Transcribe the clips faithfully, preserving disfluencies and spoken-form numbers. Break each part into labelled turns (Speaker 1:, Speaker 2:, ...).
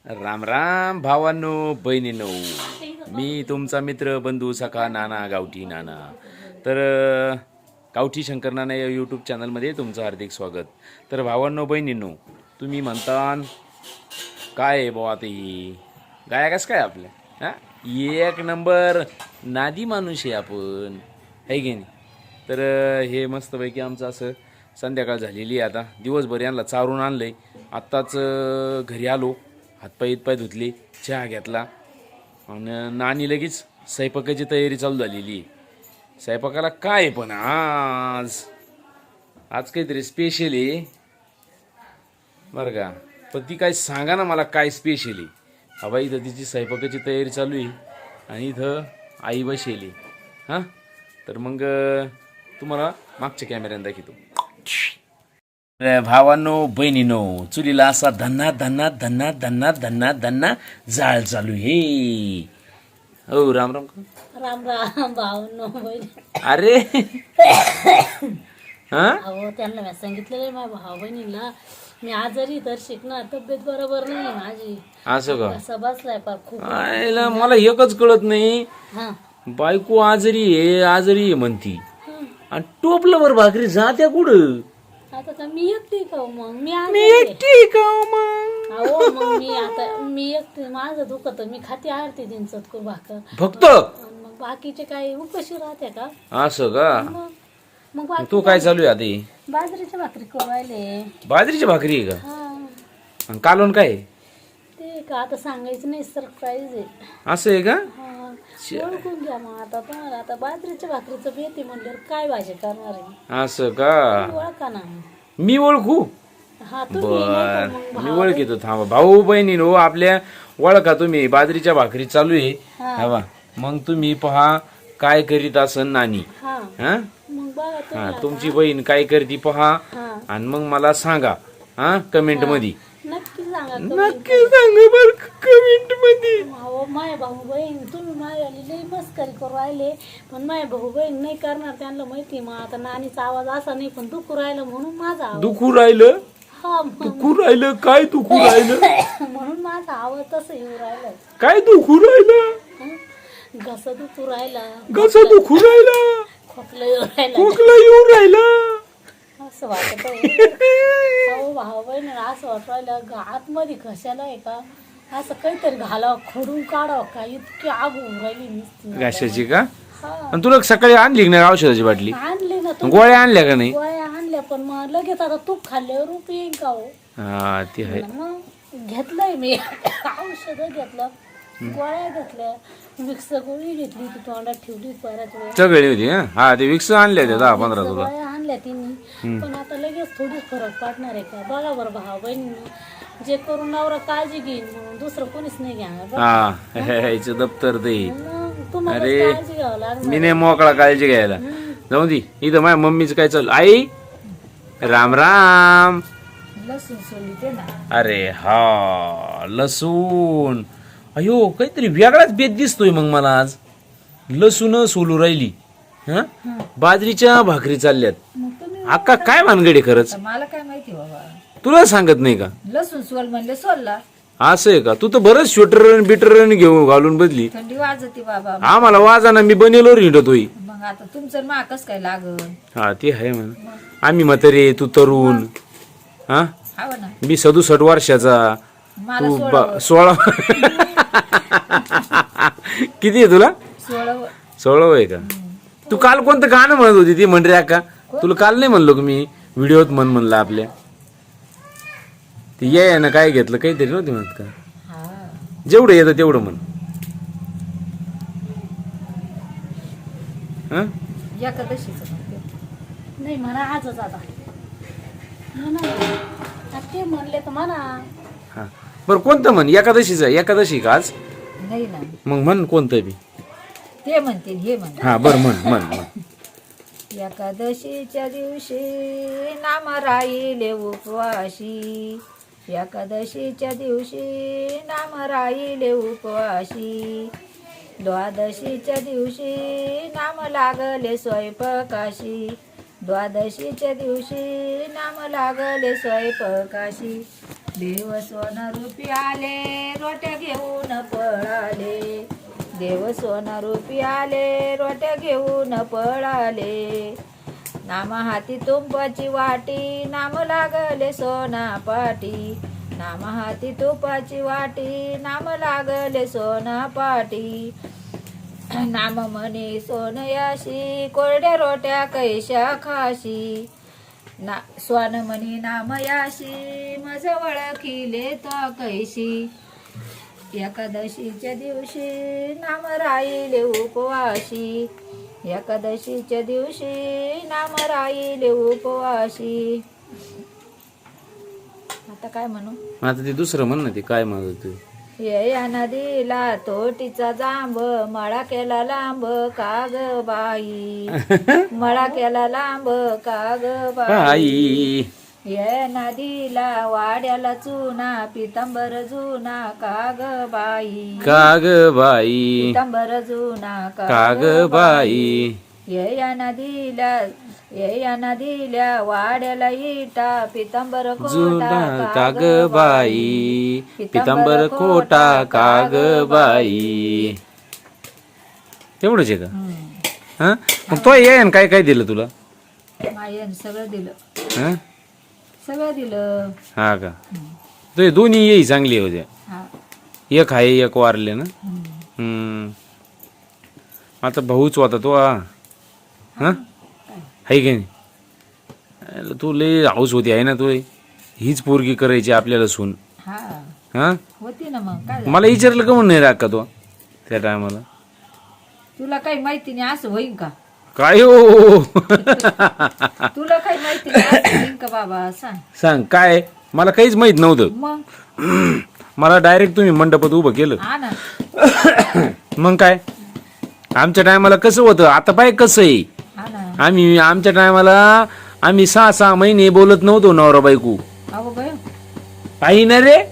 Speaker 1: राम राम भावांनो बहिणींनो, मी तुमचा मित्र बंधू सखा नाना गावठी नाना. तर अ, गावठी शंकर नाना या यूट्यूब चॅनलमध्ये तुमचं हार्दिक स्वागत. तर भावांनो बहिणींनो, तुम्ही म्हणता काय आहे बुवा ते गाया कसं काय आपल्या हां एक नंबर नादी माणूस आहे आपण, आहे की नाही. तर अ, हे मस्तपैकी आमचं असं संध्याकाळ झालेली आहे. आता दिवसभर यांना चारून आणलं आहे. आत्ताच अ, घरी आलो, हातपाय इतपाय धुतले, चहा घेतला आणि नानी लगेच स्वयंपाकाची तयारी चालू झालेली आहे. स्वयंपाकाला काय पण आज आज काहीतरी स्पेशल आहे बरं का. पण ती काय सांगा ना मला काय स्पेशल आहे. हवा इथं तिची स्वयंपाकाची तयारी चालू आहे आणि इथं आई बसेली हां. तर मग अ, तुम्हाला मागच्या कॅमेऱ्याने दाखवतो. अरे भावांनो बहिणीनो, चुलीला असा धन्ना धन्ना धन्ना धन्ना धन्ना धन्ना जाळ चालू हे. हो राम राम.
Speaker 2: राम राम भाऊ बहीण.
Speaker 1: अरे हा
Speaker 2: अहो त्यांना मी सांगितलेलं आहे माझ्या भाऊ बहिणीला मी आजारी तर शिकणार, तब्येत बरोबर नाही माझी.
Speaker 1: असं का?
Speaker 2: असं बसलाय पार खूप.
Speaker 1: आयला मला एकच कळत नाही,
Speaker 2: हा
Speaker 1: बायको आजारी आहे आजारी आहे म्हणती आणि टोपल्यावर भाकरी जात्या कुठं?
Speaker 2: आता का मी एकटी का हो मग? मी
Speaker 1: मी
Speaker 2: आजारी आहे.
Speaker 1: एकटी का मग?
Speaker 2: अहो मग मी आता मी एकटी, माझं दुखत मी खाते आरती दिन चतकूर भाकर
Speaker 1: फक्त
Speaker 2: आणि मग बाकीचे काही उपाशी राहते का
Speaker 1: असं का?
Speaker 2: मग मग बाकी
Speaker 1: तू काय चालू आहे आता?
Speaker 2: बाजरीच्या भाकरी करू राहिले.
Speaker 1: बाजरीची भाकरी आहे का?
Speaker 2: हा
Speaker 1: आणि कालवण काय आहे?
Speaker 2: ते का आता सांगायचं नाही, सरप्राईज आहे.
Speaker 1: असं आहे का?
Speaker 2: हा, ओळखून घ्या मग आता तुम्हाला. आता बाजरीच्या भाकरीचं बेती म्हणल्यावर काय भाजी करणार आहे?
Speaker 1: असं का?
Speaker 2: ओळखा ना.
Speaker 1: मी ओळखू?
Speaker 2: हा तुम्ही नाही
Speaker 1: बर
Speaker 2: तर मग
Speaker 1: मी
Speaker 2: भाव-
Speaker 1: ओळखीतो. थांबा भाऊ बहिणी हो आपल्या ओळखा तुम्ही. बाजरीच्या भाकरी चालू आहे
Speaker 2: हा.
Speaker 1: हवा. मग तुम्ही पहा काय करीत असन नानी.
Speaker 2: हा
Speaker 1: हा
Speaker 2: मग बघा
Speaker 1: हा
Speaker 2: तुम्ही
Speaker 1: तुमची बहीण काय करती पहा
Speaker 2: हा
Speaker 1: आणि मग मला सांगा हा कमेंट मध्ये.
Speaker 2: नक्की सांगा.
Speaker 1: नक्की सांगा बर कमेंट मध्ये.
Speaker 2: अहो माय भाऊ बहीण तुम्ही माझ्याली लई मस्करी करू राहिले, पण माय भाऊ बहीण नाही करणार, त्यांना माहिती. मग आता नानीचा आवाज असा नाही पण दुखू राहिलं म्हणून माझा आवाज.
Speaker 1: दुखू राहिलं?
Speaker 2: हा मग
Speaker 1: दुखू राहिलं? काय दुखू राहिलं?
Speaker 2: म्हणून माझा आवाज तसं येऊ राहिला.
Speaker 1: काय दुखू राहिलं?
Speaker 2: घसा दुखू राहिला,
Speaker 1: कसं दुखू राहिला?
Speaker 2: खोकला येऊ राहिला,
Speaker 1: खोकला येऊन राहिला?
Speaker 2: असं वाटत हो भाऊ बहीण. असं वाटत राहिलं आतमध्ये कशाला आहे का असं काहीतरी घालावं, खोडून काढावं का, इतकी आग होऊन राहिली नुसती.
Speaker 1: घशाची का?
Speaker 2: हा
Speaker 1: आणि तुला सकाळी आणली ना औषधाची बाटली?
Speaker 2: आणले ना तुम्ही
Speaker 1: गोळ्या आणल्या का नाही?
Speaker 2: गोळ्या आणल्या, पण मग लगेच आता तूप खाल्ल्यावर रूप येईन का हो?
Speaker 1: हा ती आहे.
Speaker 2: मग घेतलंय मी औषध घेतलं, गोळ्या घेतल्या, मिक्स गोळी घेतली, ती तोंडात ठेवली बऱ्याच वेळ.
Speaker 1: सगळी होती हा. हा ते विक्स आणले होते दहा पंधरा तुला.
Speaker 2: गोळ्या आणल्या तिने, पण आता लगेच थोडीच फरक पडणार आहे का बघा बरं भाऊ बहिणीनं. जे करून नवरा काळजी घेईन म्हणून दुसरं कोणीच नाही घेणार बरं.
Speaker 1: हा ह्याचं दप्तर ते.
Speaker 2: मग तुम्हाला
Speaker 1: अरे,
Speaker 2: काळजी घ्यावं लागणार.
Speaker 1: मी नाही मोकळा काळजी घ्यायला. जाऊ दे. इथं माझ्या मम्मीचं काय चालू? आई राम राम.
Speaker 2: लसूण सोली ना.
Speaker 1: अरे हा लसूण. अयो काहीतरी वेगळाच बेत दिसतोय मग मला आज. लसूण सोलू राहिली हा. बाजरीच्या भाकरी चालल्यात.
Speaker 2: मग तुम्ही
Speaker 1: अक्का काय भानगडी खरंच?
Speaker 3: मला काय माहिती बाबा.
Speaker 1: तुला सांगत नाही का?
Speaker 3: लसूण सोल म्हणले सोलला.
Speaker 1: असं आहे का? तू तर बरंच स्वेटर बिटर घेऊन घालून बदली.
Speaker 3: थंडी वाजती बाबा.
Speaker 1: आम्हाला वाजाना मी बनेलो हिंडतोय.
Speaker 3: मग आता तुमचं माकच काय लागल.
Speaker 1: हा ते आहे म्हणा. आम्ही म्हातारे तू तरुण. हा
Speaker 3: हवं ना.
Speaker 1: मी सदुसष्ट वर्षाचा
Speaker 3: मला
Speaker 1: तू
Speaker 3: सोळा
Speaker 1: बा- सोळा किती आहे तुला?
Speaker 3: सोळा
Speaker 1: सोळा आहे का? तू काल कोणतं गाणं म्हणत होती ती म्हण रे अक्का? तुला काल नाही म्हणलो का मी व्हिडिओत म्हण म्हणलं आपल्या? ते ये ना काय घेतलं काहीतरी नव्हती म्हणत का?
Speaker 3: हा
Speaker 1: जेवढं येतं तेवढं म्हण. हा
Speaker 3: एकादशीच
Speaker 2: नाही म्हणा आजच आता म्हणा. आता ते म्हणले तर म्हणा.
Speaker 1: हा बरं कोणतं म्हण? एकादशीचं? एकादशी का आज?
Speaker 3: नाही ना.
Speaker 1: मग म्हण कोणतं बी.
Speaker 3: ते म्हणतील हे म्हण.
Speaker 1: हा बरं म्हण म्हण म्हण.
Speaker 3: एकादशीच्या दिवशी नाम राहिले उपवाशी. एकादशीच्या दिवशी नाम राहिले उपवाशी. द्वादशीच्या दिवशी नाम लागले स्वयंपाकाशी. द्वादशीच्या दिवशी नाम लागले स्वयंपाकाशी. देव सोन रूपी आले रोट्या घेऊन पळाले, देव सोन रूपी आले रोट्या घेऊन पळाले. नाम हाती तुपाची वाटी, नाम लागले सोना पाटी, नाम हाती तुपाची वाटी, नाम लागले सोना पाटी. नाम म्हणे सोनयाशी, कोरड्या रोट्या कैशा खाशी, ना स्वान म्हणे नामयाशी, मज ओळखिले तो कैशी. एकादशीच्या दिवशी नाम राहिले उपवाशी, एकादशीच्या दिवशी नाम राहिले उपवाशी. आता काय म्हणू?
Speaker 1: आता ते दुसरं म्हण ना, ते काय म्हणत तू?
Speaker 3: ये या नदीला तोटीचा जांब, मळा केला लांब काग बाई, मळा केला लांब काग बाई.
Speaker 1: आई
Speaker 3: ये नदीला वाड्याला चुना, पितांबर जुना काग बाई,
Speaker 1: काग बाई,
Speaker 3: पितांबर जुना
Speaker 1: काग बाई.
Speaker 3: ये या नदीला ये या नदीला वाड्याला इटा, पितांबर
Speaker 1: जुना
Speaker 3: कोटा
Speaker 1: काग बाई, पितांबर कोटा काग बाई. तेवढंच आहे का? हा मग तो ये ना, काय काय दिलं तुला?
Speaker 3: मायन सगळं दिलं,
Speaker 1: हा
Speaker 3: सगळं दिलं.
Speaker 1: हा का? तो दोन्ही येई चांगली होत्या.
Speaker 3: हा.
Speaker 1: एक आहे एक वारले ना.
Speaker 3: हम्म.
Speaker 1: हम्म. आता भाऊच होता तो. हा हा आहे की नाही? तू लय हाऊस होती आहे ना तू, हीच पोरगी करायची आपल्याला सून.
Speaker 3: हा
Speaker 1: हा
Speaker 3: होती ना. मग काय झालं?
Speaker 1: मला विचारलं का म्हणून नाही राग का तो त्या टायमाला?
Speaker 3: तुला काही माहिती नाही असं होईन का?
Speaker 1: काय हो
Speaker 3: तुला काही माहिती नाही असं होईन का बाबा? सांग.
Speaker 1: सांग काय? मला काहीच माहित नव्हतं.
Speaker 3: मग
Speaker 1: मला डायरेक्ट तुम्ही मंडपात उभं केलं.
Speaker 3: हा ना.
Speaker 1: मग काय आमच्या टायमाला कसं होतं, आता पाय कसं आहे.
Speaker 3: हा ना.
Speaker 1: आम्ही आमच्या टायमाला आम्ही सहा सहा महिने बोलत नव्हतो नवरा बायको.
Speaker 3: अहो बाय.
Speaker 1: काही ना रे.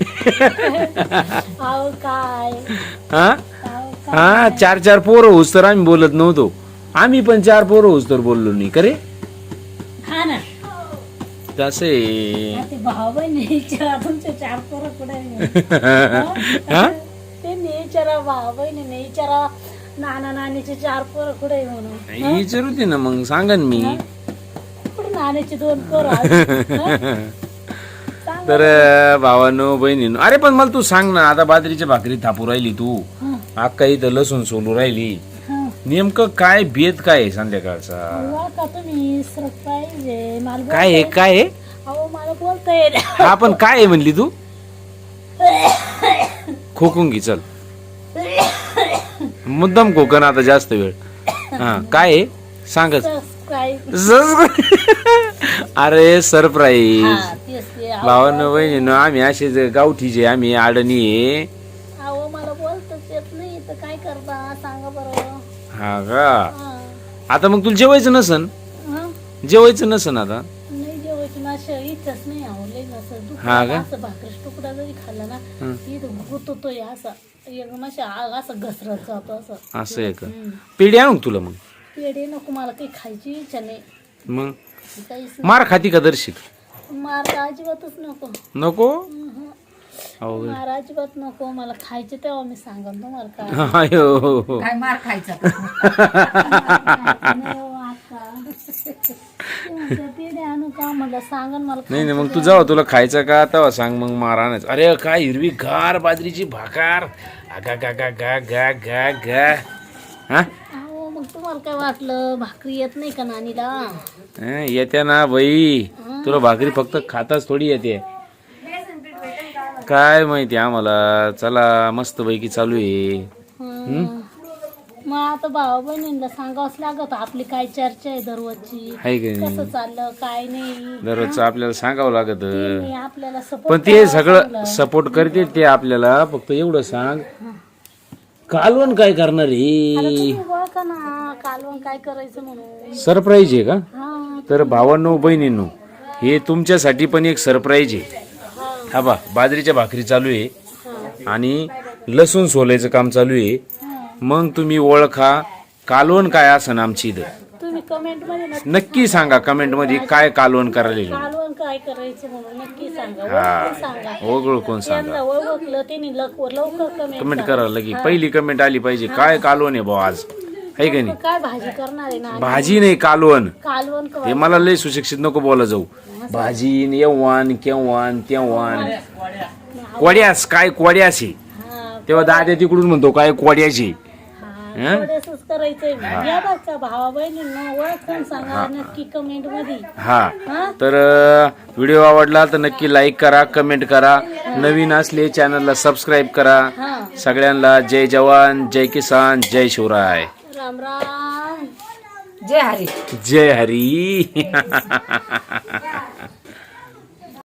Speaker 2: अहो काय
Speaker 1: हा
Speaker 2: अहो काय
Speaker 1: हा चार चार पोरं होस तर आम्ही बोलत नव्हतो. आम्ही पण चार पोरं होस तर बोललो नाही करे.
Speaker 2: हा ना.
Speaker 1: तसे
Speaker 2: ते भाऊ बहिणी तुमचे चार पोरं कुठे
Speaker 1: हा
Speaker 2: ते नेचारा भाऊ बहिणी नेचारा नाना नानीचे चार पोरं कुठे म्हणून
Speaker 1: विचारू दे ना मग सांगा ना मी.
Speaker 2: कुठे नाण्याचे दोन पोरं.
Speaker 1: तर भावानो बहिणीनो, अरे पण मला तू सांग ना, आता बाजरीच्या भाकरी थापू राहिली तू, अक्का इथं लसूण सोलू राहिली, नेमकं काय बेत काय आहे संध्याकाळचा?
Speaker 2: का तुम्ही सरप्राईज आहे मला
Speaker 1: काय आहे काय आहे?
Speaker 2: अहो मला बोलता येईल.
Speaker 1: हा पण काय आहे म्हणली तू? खोकून घे चल, मुद्दाम खोकन आता जास्त वेळ. हा काय आहे सांगच. अरे सरप्राईज. भावानं बहिणीनं आम्ही असेच गावठीचे, आम्ही आडणी आहे.
Speaker 2: अहो मला बोलताच येत नाही तर काय करता सांगा बरं.
Speaker 1: हा का? आता मग तुला जेवायचं नसन, जेवायचं नसन आता.
Speaker 2: नाही जेवायची माझ्या इच्छाच नाही आवडले नसं.
Speaker 1: हा का?
Speaker 2: असं भाकरीच तुकडा जरी खाल्ला ना इथं गुततोय असा एक माझ्या असं घसरत जातो असं.
Speaker 1: असं आहे का? पेढी आणू तुला मग?
Speaker 2: पेढे नको मला काही खायची इच्छा नाही.
Speaker 1: मग
Speaker 2: काहीच
Speaker 1: मार खाती का दर्शिक?
Speaker 2: मार तर अजिबातच नको.
Speaker 1: नको?
Speaker 2: मार अजिबात नको मला खायचे तेव्हा मी सांगन तुम्हाला काय.
Speaker 1: अयो
Speaker 3: काय मार खायचा?
Speaker 2: पेढे आणू का म्हटलं सांगन मला.
Speaker 1: नाही नाही मग तू जाऊ, तुला खायचं का तेव्हा सांग, मग मार आणायचं. अरे काय हिरवी गार बाजरीची भाकार, गा गा गा गा गा गा गा. हा
Speaker 2: अहो मग तुम्हाला काय वाटलं भाकरी येत नाही का नानीला?
Speaker 1: हं, येते ना बाई, तुला भाकरी फक्त खाताच थोडी येते. काय माहिती आम्हाला. चला मस्त पैकी चालू आहे.
Speaker 2: मग आता भाऊ बहिणींना सांगावंच लागत आपली काय चर्चा आहे दररोजची,
Speaker 1: आहे की
Speaker 2: कसं
Speaker 1: नाही?
Speaker 2: चाललं काय नाही.
Speaker 1: दररोजचं आपल्याला सांगावं लागत.
Speaker 2: नाही, आपल्याला
Speaker 1: पण
Speaker 2: सपोर्ट
Speaker 1: ते सगळं सपोर्ट करते ते आपल्याला. फक्त एवढं सांग, कालवण काय करणार आहे?
Speaker 2: बघा ना कालवण काय करायचं म्हणून.
Speaker 1: सरप्राईज आहे का?
Speaker 2: हा
Speaker 1: तर भावांनो बहिणींनो, हे तुमच्यासाठी पण एक सरप्राईज आहे. हा बा, बाजरीच्या भाकरी चालू आहे आणि लसूण सोलायचं काम चालू आहे. मग तुम्ही ओळखा कालवण काय असं आमची इथं.
Speaker 2: तुम्ही कमेंट मध्ये
Speaker 1: नक्की सांगा, कमेंट मध्ये काय कालवण करायला.
Speaker 2: कालवण काय काय करायचं म्हणून नक्की सांगा.
Speaker 1: हा.
Speaker 2: ओळखून सांगा.
Speaker 1: ओळखून सांगा.
Speaker 2: त्यांना ओळखलं त्यांनी लवकर लवकर
Speaker 1: कमेंट
Speaker 2: कमेंट
Speaker 1: करा लगी पहिली कमेंट आली पाहिजे. काय कालवण आहे भाऊ आज, आहे का नाही?
Speaker 2: काय भाजी करणार आहे ना
Speaker 1: भाजी नाही कालवण.
Speaker 2: कालवण
Speaker 1: हे मला लय सुशिक्षित नको बोला जाऊ. भाजी न येवान केव्हान तेव्हान कोड्यास काय कोड्यास आहे.
Speaker 2: हा
Speaker 1: तेव्हा दाद्या तिकडून म्हणतो काय कोड्याची.
Speaker 2: हा थोडंसंच करायचंय. या बघा भावा बहिणींना ओळखून सांगा नक्की कमेंट मध्ये.
Speaker 1: हा
Speaker 2: हा
Speaker 1: तर व्हिडिओ आवडला तर नक्की लाईक करा, कमेंट करा. नवीन असले चॅनलला सबस्क्राईब करा.
Speaker 2: हा
Speaker 1: सगळ्यांना जय जवान, जय किसान, जय शिवराय,
Speaker 2: राम राम.
Speaker 3: जय हरी.
Speaker 1: जय हरी.